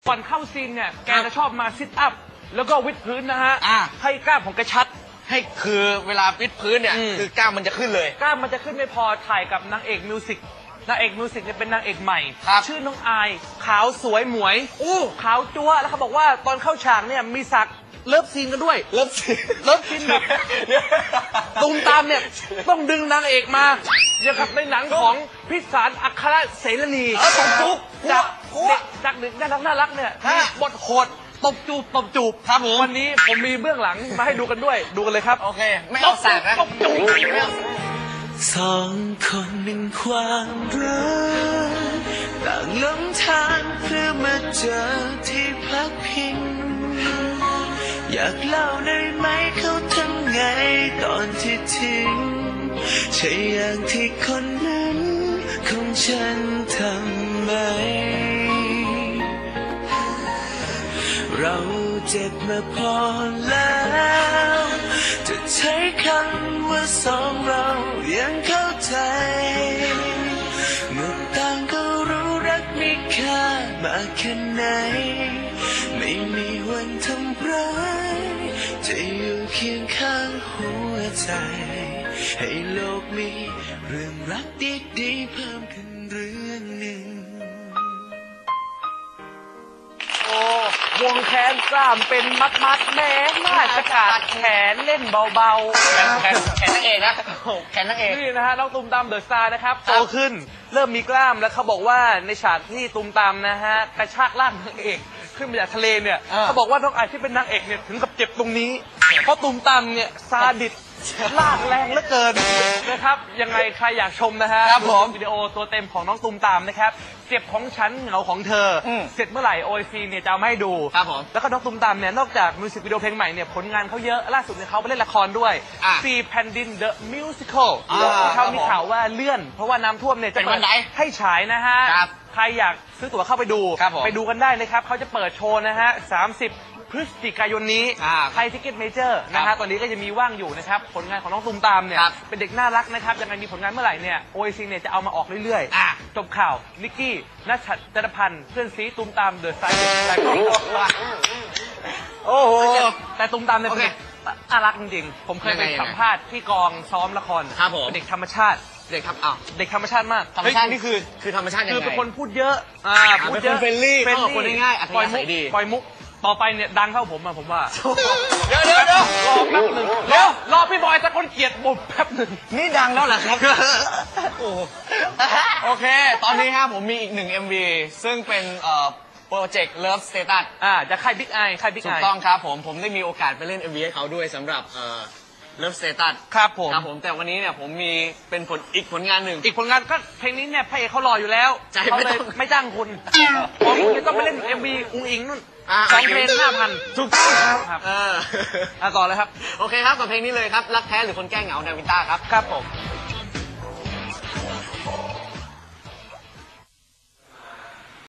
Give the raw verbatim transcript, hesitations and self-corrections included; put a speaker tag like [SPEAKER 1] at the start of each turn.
[SPEAKER 1] ก่อนเข้าซีนเนี่ยแกจะชอบมาซิทอัพแล้วก็วิดพื้นนะฮะให้กล้ามของแกชัด
[SPEAKER 2] ให้คือเวลาวิดพื้นเนี่ยคือกล้ามมันจะขึ้นเลย
[SPEAKER 1] กล้ามมันจะขึ้นไม่พอถ่ายกับนางเอกมิวสิกนางเอกมิวสิกเนี่ยเป็นนางเอกใหม่ชื่อน้องอายขาวสวยหมวยอู้ขาวจั๊วแล้วเขาบอกว่าตอนเข้าฉากเนี่ยมีสักเลิฟซีนกันด้วย
[SPEAKER 2] เลิฟซีน
[SPEAKER 1] เลิฟซีนแบบตูมตามเนี่ยต้องดึงนางเอกมาอย่างกับในหนังของพิสารอัครเสรณี
[SPEAKER 2] ตบจูบ
[SPEAKER 1] จากเด็กจากหนึ่งน่ารักน่ารักเนี่ยบทโหดตบจูบตบจูบ
[SPEAKER 2] ครับผม
[SPEAKER 1] วันนี้ผมมีเบื้องหลังมาให้ดูกันด้วยดูกันเลยครับ
[SPEAKER 2] โอเคไม่เอาแสกนะ
[SPEAKER 1] ตบจูบ
[SPEAKER 3] สองคนหนึ่งความรักต่างหลงทางเพื่อมาเจอที่พักพิงอยากเล่าได้ไหมเขาทำไงตอนที่ทิ้งใช่อย่างที่คนนั้นของฉันทำไหมเราเจ็บมาพอแล้วจะใช้คำว่าสองเรายังเข้าใจเมื่อต่างก็รู้รักมีค่ามากแค่ไหนไม่มีวันทำร้ายจะอยู่เคียงข้างหัวใจให้โลกมีเรื่องรักดีๆเพิ่มขึ้นเรื่องหนึ่ง
[SPEAKER 1] วงแขนกล้ามเป็นมัดมัดแม่น่าจะกัดแขนเล่นเบา
[SPEAKER 2] ๆแขนแขนนางเอกนะแขนนางเอก
[SPEAKER 1] นี่นะฮะน้องตูมตามเดอะสตาร์นะครับโตขึ้นเริ่มมีกล้ามแล้วเขาบอกว่าในฉากที่ตูมตามนะฮะกระชากล่างนางเอกขึ้นมาจากทะเลเนี่ยเขาบอกว่าน้องอายที่เป็นนางเอกเนี่ยถึงกับเจ็บตรงนี้เพราะตูมตามเนี่ยซาดิสลากแรงเหลือเกินนะครับยังไงใครอยากชมนะฮะวิดีโอตัวเต็มของน้องตูมตามนะครับเจ็บของฉันเหงาของเธอเสร็จเมื่อไหร่โอไอซีเนี่ยจะเอามาให้ดูแล้วก็น้องตูมตามเนี่ยนอกจากมิวสิกวิดีโอเพลงใหม่เนี่ยผลงานเขาเยอะล่าสุดเนี่ยเขาไปเล่นละครด้วยซีแผ่นดินเดอะมิวสิคลเขามีข่าวว่าเลื่อนเพราะว่าน้ำท่วมเนี่ยจะเปิดให้ฉายนะฮะใครอยากซื้อตั๋วเข้าไปดูไปดูกันได้เลยครับเขาจะเปิดโชว์นะฮะสามสิบพฤศจิกายนนี้ไทยทิกเก็ตเมเจอร์นะฮะตอนนี้ก็จะมีว่างอยู่นะครับผลงานของน้องตูมตามเนี่ยเป็นเด็กน่ารักนะครับยังไงมีผลงานเมื่อไหร่เนี่ยโอไอซีเนี่ยจะเอามาออกเรื่อยๆจบข่าวนิกกี้นัชชัดจรพันธ์เพื่อนซีตูมตามเดอะสไตล์อะไรก็ว่าโอ้โหแต่ตูมตามเนี่ยน่ารักจริงๆผมเคยไปสัมภาษณ์ที่กองซ้อมละครเป็นเด็กธรรมชาติเด็กครับอ้าวเด็กธรรมชาติมาก
[SPEAKER 2] ธรรมชาตินี่คือคือธรรมชาติยังไง
[SPEAKER 1] คือเป็นคนพูดเยอะอ่าพูดเยอะ
[SPEAKER 2] เฟรนลี่คนง่ายๆอัธยาศัยดี
[SPEAKER 1] ปล่อยมุกต่อไปเนี่ยดังเข้าผมอะผมว่า
[SPEAKER 2] เดี๋ยวเดี๋ยวเดี๋ยว
[SPEAKER 1] รอแป๊บหนึ่งเดี๋ยวรอพี่บอยตะคนเกลียดบุบแป๊บหนึ่ง
[SPEAKER 2] นี่ดังแล้วเหรอครับโอเคตอนนี้ครับผมมีอีกหนึ่ง เอ็ม วี ซึ่งเป็นโปรเจกต์ Love Status
[SPEAKER 1] อ่าจะค่ายบิ๊กไอค่ายบิ๊กไอ
[SPEAKER 2] ถูกต้องครับผมผมได้มีโอกาสไปเล่น เอ็ม วี ให้เขาด้วยสำหรับLove Status
[SPEAKER 1] ครับผม
[SPEAKER 2] ครับผมแต่วันนี้เนี่ยผมมีเป็นผลอีกผลงานหนึ่ง
[SPEAKER 1] อีกผลงานก็เพลงนี้เนี่ยพระเอกเขารออยู่แล้ว
[SPEAKER 2] เขา
[SPEAKER 1] เลยไม่จ้างคุณผมจะต้องไปเล่น เอ็ม วี อุ้งอิงนู่นสองเพลงห้าพัน
[SPEAKER 2] ถูกต้อง
[SPEAKER 1] ครับเออต่อเลยครับ
[SPEAKER 2] โอเคครับกับเพลงนี้เลยครับรักแท้หรือคนแก้เหงานาวินต้าครับ
[SPEAKER 1] ครับผม